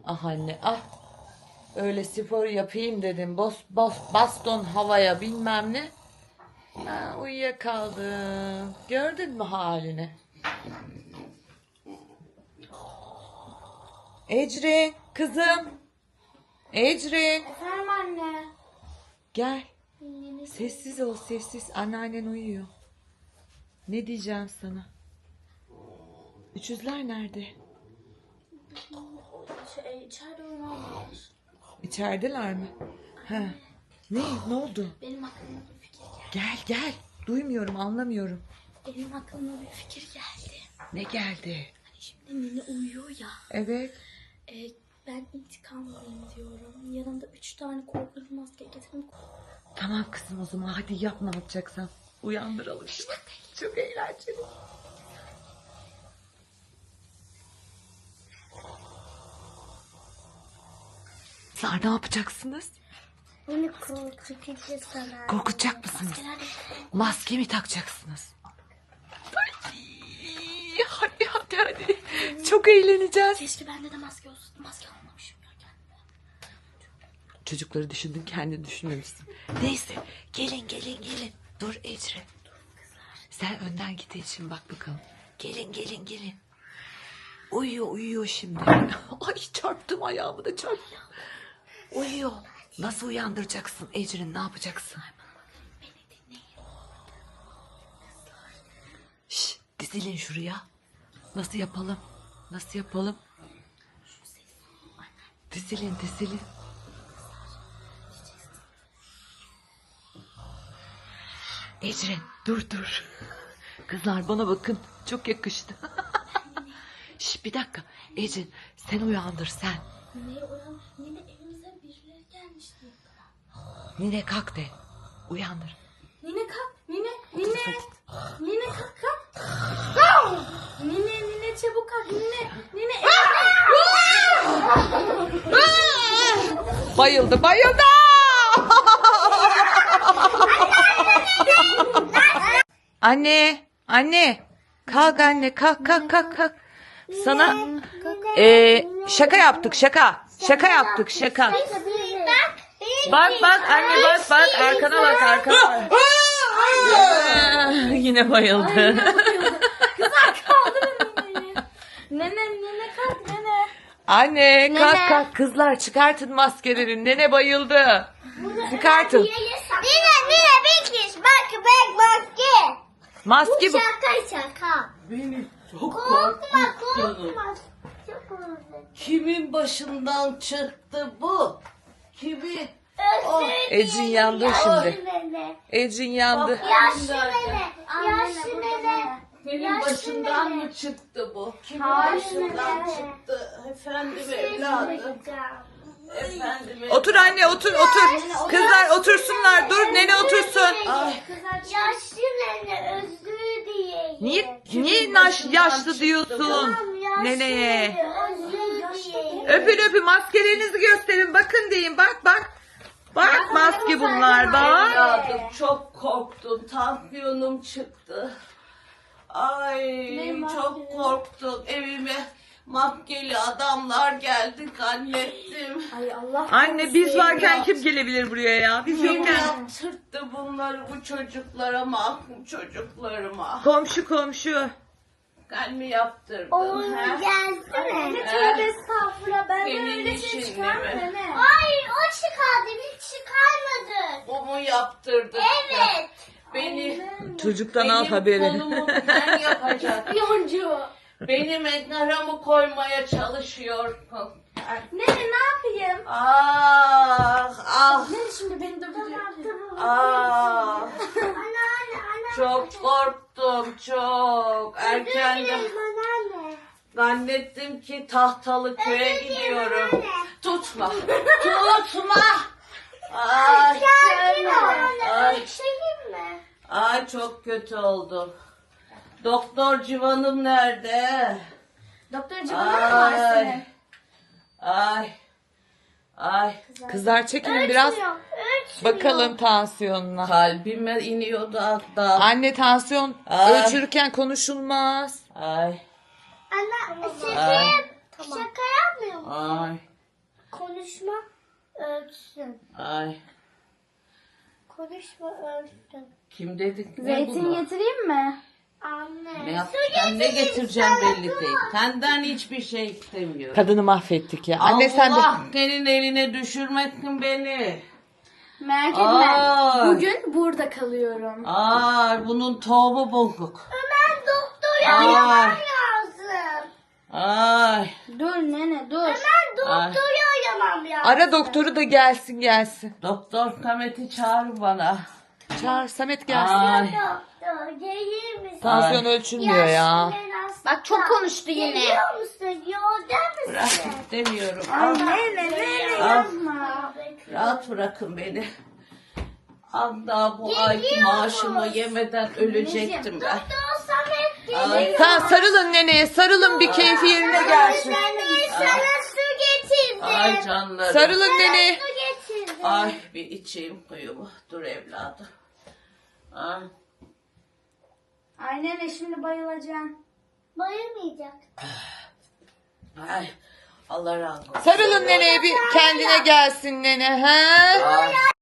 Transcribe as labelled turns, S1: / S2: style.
S1: Ah anne ah. Öyle spor yapayım dedim. Baston havaya bilmem ne. Ha, uyuyakaldım. Gördün mü halini? Ecrin kızım. Ecrin.
S2: Efendim anne.
S1: Gel. Sessiz ol sessiz. Anneannen uyuyor. Ne diyeceğim sana? Üçüzler nerede?
S2: İçeride oynuyorlar.
S1: İçerideler mi? Ha. Ne oldu?
S2: Benim aklıma bir fikir geldi.
S1: Gel. Duymuyorum, anlamıyorum.
S2: Benim aklıma bir fikir geldi.
S1: Ne geldi?
S2: Hani şimdi Mine uyuyor ya.
S1: Evet.
S2: Ben intikam alayım diyorum. Yanımda 3 tane korkunç maske getirdim.
S1: Tamam kızım o zaman hadi yap ne yapacaksan. Uyandıralım. Çok eğlenceli. Kızlar ne yapacaksınız?
S2: Beni korkutacağız sana.
S1: Korkutacak mısınız? Maske mi takacaksınız? Ay, hadi. Çok eğleneceğiz.
S2: Keşke bende de maske olsun. Maske almamışım ya kendime.
S1: Çocukları düşündün kendini düşünmemişsin. Neyse gelin. Dur Ecre. Sen önden git için bak bakalım. Gelin. Uyuyor şimdi. Ay çarptım ayağımı da çarptım. Uyuyor. Nasıl uyandıracaksın Ecrin ne yapacaksın?
S2: Beni dinleyin.
S1: Şş, dizilin şuraya. Nasıl yapalım? Dizilin. Ecrin dur. Kızlar bana bakın. Çok yakıştı. Şş, bir dakika. Ecrin sen uyandır sen.
S2: Nine'ye uyan. Nine evimize birileri gelmişti.
S1: Nine kalk de. Uyandır.
S2: Nine kalk. Nine kalk. Nine çabuk kalk. Nine.
S1: Bayıldı. Anne. Kalk anne. Kalk. Sana şaka yaptık. Şaka yaptık. Bak anne bak. Arkana bak. Yine bayıldı.
S2: Kızlar kaldırın Nine'yi. Nene kalk nene.
S1: Anne kalk. Kızlar çıkartın maskeleri. Nene bayıldı. Çıkartın.
S2: Nine bekliyoruz. Bak maske.
S1: Maske bu.
S2: Şaka.
S3: Beni çok
S2: Korkma. Çok korkma.
S3: Kimin başından çıktı bu? Kimin?
S1: Ecrin yandı şimdi. Ecrin yandı.
S2: Yaşlı nene.
S3: Senin başından mı çıktı bu? Kimin başından çıktı? Efendim evladım.
S1: Otur anne otur. Kızlar otursunlar. Dur nene otursun.
S2: Yaşlı nene özlü diye.
S1: Niye yaşlı diyorsun neneye?
S2: Özlü
S1: Öpün maskelerinizi gösterin. Bakın deyin bak. Bak maske bunlar bak.
S3: Evladım çok korktum. Tansiyonum çıktı. Ay çok korktum. Evime maskeli adamlar geldi zannettim.
S2: Ay Allah.
S1: Anne biz varken kim gelebilir buraya ya? Biz
S3: Kim
S1: yokken.
S3: yaptırttı bunları bu çocuklara, mahkum çocuklarıma?
S1: Komşu.
S3: Ben mi yaptırdım?
S2: Oğlum
S3: he?
S2: gelsene.
S3: He?
S2: Tövbe estağfurullah. Ben
S3: Senin
S2: öyle şey
S3: işin
S2: çıkarmadım.
S3: değil mi?
S2: Hayır o çıkardı. Biz çıkarmadık.
S3: Bu mu yaptırdı?
S2: Evet.
S3: Beni
S1: Çocuktan al
S3: benim
S1: haberi.
S3: kolumu sen yapacaksın.
S2: Yoncu.
S3: Benim naramı koymaya çalışıyorsun.
S2: Nene ne yapayım?
S3: Ah.
S2: Nene şimdi beni dövüyor.
S3: Ah.
S2: Anne.
S3: Çok korktum çok. Erkenden
S2: Anne.
S3: zannettim ki tahtalı köye gidiyorum. Tutma. Ay.
S2: Sakin ol.
S3: Ay.
S2: Öksüreyim mi?
S3: Ay çok kötü oldum. Doktor civanım nerede?
S2: Doktor civanı var senin.
S3: Ay.
S1: Kızlar çekilin biraz.
S2: Ölçmüyor.
S1: Bakalım tansiyonuna.
S3: Kalbime iniyordu hatta.
S1: Anne tansiyon
S3: Ay.
S1: ölçülürken konuşulmaz.
S3: Ay.
S2: Anne
S3: Ay.
S2: şaka yapmıyor mu?
S3: Ay.
S4: ölçsün.
S3: Ay.
S4: Konuşma ölçsün.
S3: Kim dedik ne
S2: Zeytin
S3: bunu?
S2: getireyim mi?
S4: Anne.
S3: Ne yapacağım ne getireceğim belli değil. Senden hiçbir şey istemiyorum.
S1: Kadını mahvettik ya. Anne sen de.
S3: Allah senin eline düşürmesin beni.
S2: Merak
S3: Ay.
S2: Bugün burada kalıyorum.
S3: Ay bunun tohumu bozuk.
S4: Ömer doktora
S3: Ay.
S4: araman lazım.
S3: Ay.
S2: Dur nene dur.
S4: Ben
S3: Ay.
S4: doktora aramam lazım.
S1: Ara doktoru da gelsin.
S3: Doktor Samet'i çağır bana.
S1: Çağır Samet gelsin.
S3: Ay.
S4: Doktor gelir misin?
S1: Tansiyon ölçülmüyor ya.
S4: Yaşlıların hasta.
S2: Bak çok konuştu yine.
S4: Geliyor musun? Yolda
S3: Bırak
S4: mısın?
S3: istemiyorum.
S2: Nene
S3: Al.
S2: yapma.
S3: Rahat bırakın beni. Hatta bu ayki maaşımı yemeden ölecektim ben.
S4: Doktor Samet
S3: Ay.
S4: geliyor.
S1: Tamam sarılın neneye sarılın bir keyfi yerine gelsin.
S4: Ben sana su getirdim.
S3: Ay canlarım.
S1: Sarılın neneye.
S4: Su getirdim.
S3: Ay bir içeyim kuyumu. Dur evladım. Ay.
S2: Ay nene şimdi bayılacaksın.
S4: Bayılmayacak.
S3: Ay. Allah razı olsun.
S1: Sarılın neneye bir kendine gelsin nene. Ha?
S3: Ay.